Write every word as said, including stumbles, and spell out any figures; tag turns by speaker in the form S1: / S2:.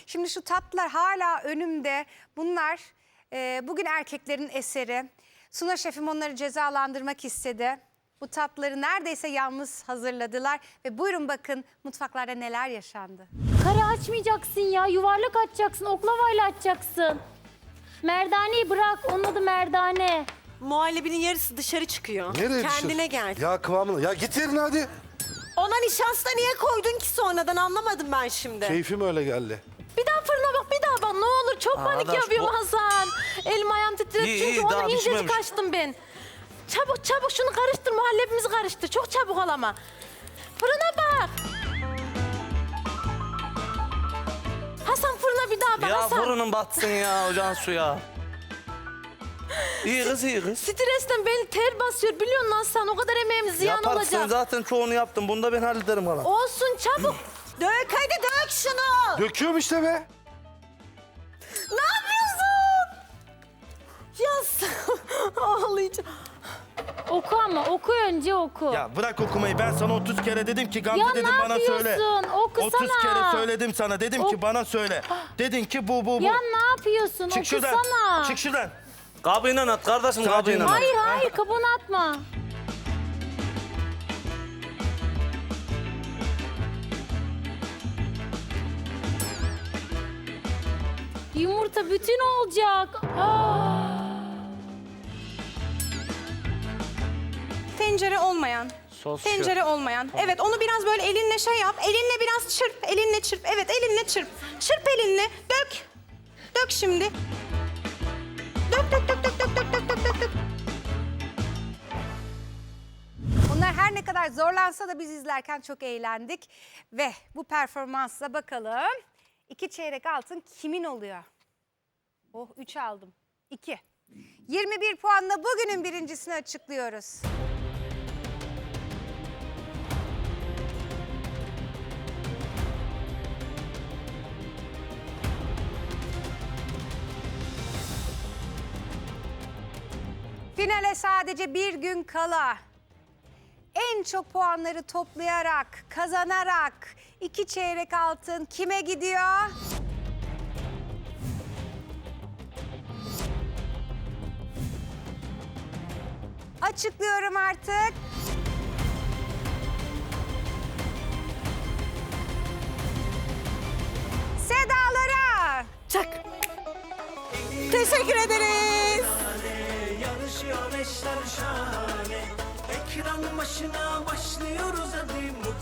S1: Şimdi şu tatlılar hala önümde. Bunlar e, bugün erkeklerin eseri. Suna şefim onları cezalandırmak istedi. Bu tatlıları neredeyse yalnız hazırladılar. Ve buyurun bakın mutfaklarda neler yaşandı.
S2: Kare açmayacaksın ya. Yuvarlak açacaksın. Oklavayla açacaksın. Merdaneyi bırak. Onun adı merdane.
S3: Muhallebinin yarısı dışarı çıkıyor.
S4: Nereye
S3: Kendine
S4: düşür?
S3: gel.
S4: Ya kıvamını. Ya git yerine hadi.
S3: Ona nişasta niye koydun ki sonradan anlamadım ben şimdi.
S4: Keyfim öyle geldi.
S2: Bir daha fırına bak, bir daha bak. Ne olur, çok panik
S5: Arkadaş,
S2: yapıyorum
S5: bu-
S2: Hasan. Elim ayağım titredi
S5: İyi,
S2: çünkü
S5: iyi,
S2: ona
S5: daha
S2: incecik
S5: pişmemiş.
S2: açtım ben. Çabuk çabuk şunu karıştır, muhallebimizi karıştır. Çok çabuk ol ama. Fırına bak. Hasan fırına bir daha bak
S5: Ya
S2: Hasan.
S5: fırının batsın ya ocağın suya. İyi kız iyi kız.
S2: Stresten beni ter basıyor biliyor musun Hasan? O kadar emeğimiz ziyan
S5: Yaparsın
S2: olacak.
S5: zaten çoğunu yaptım. Bunu da ben hallederim hala.
S2: Olsun çabuk.
S3: Dök hadi dök şunu.
S4: Döküyorum işte be.
S3: Ne yapıyorsun? Yaz. Ağlayacağım.
S2: Oku ama oku önce oku.
S5: Ya bırak okumayı. Ben sana otuz kere dedim ki Gamze
S2: Ya
S5: dedim
S2: ne
S5: bana söyle.
S2: yapıyorsun? Okusana.
S5: otuz kere söyledim sana. Dedim
S2: Ok-
S5: ki bana söyle. Dedin ki bu bu bu.
S2: Ya ne yapıyorsun?
S5: Çık şuradan.
S2: Okusana.
S5: Çık şuradan. Kabıyla at kardeşim kabıyla at.
S2: Hayır hayır kabuğunu atma. Yumurta bütün olacak. Aa.
S6: Tencere olmayan.
S5: Sos
S6: Tencere olmayan. Evet onu biraz böyle elinle şey yap. Elinle biraz çırp. Elinle çırp. Evet elinle çırp. Çırp elinle. Dök. Dök şimdi. Dök dök dök dök dök dök dök dök dök dök.
S1: Bunlar her ne kadar zorlansa da biz izlerken çok eğlendik. Ve bu performansla bakalım iki çeyrek altın kimin oluyor? Oh üç aldım. iki. yirmi bir puanla bugünün birincisini açıklıyoruz. Finale sadece bir gün kala en çok puanları toplayarak, kazanarak iki çeyrek altın kime gidiyor? Açıklıyorum artık. Sedalara.
S3: Çak. Teşekkür ederiz.
S7: Yarışıyor eşler şahane. Ekran başına başlıyoruz hadi.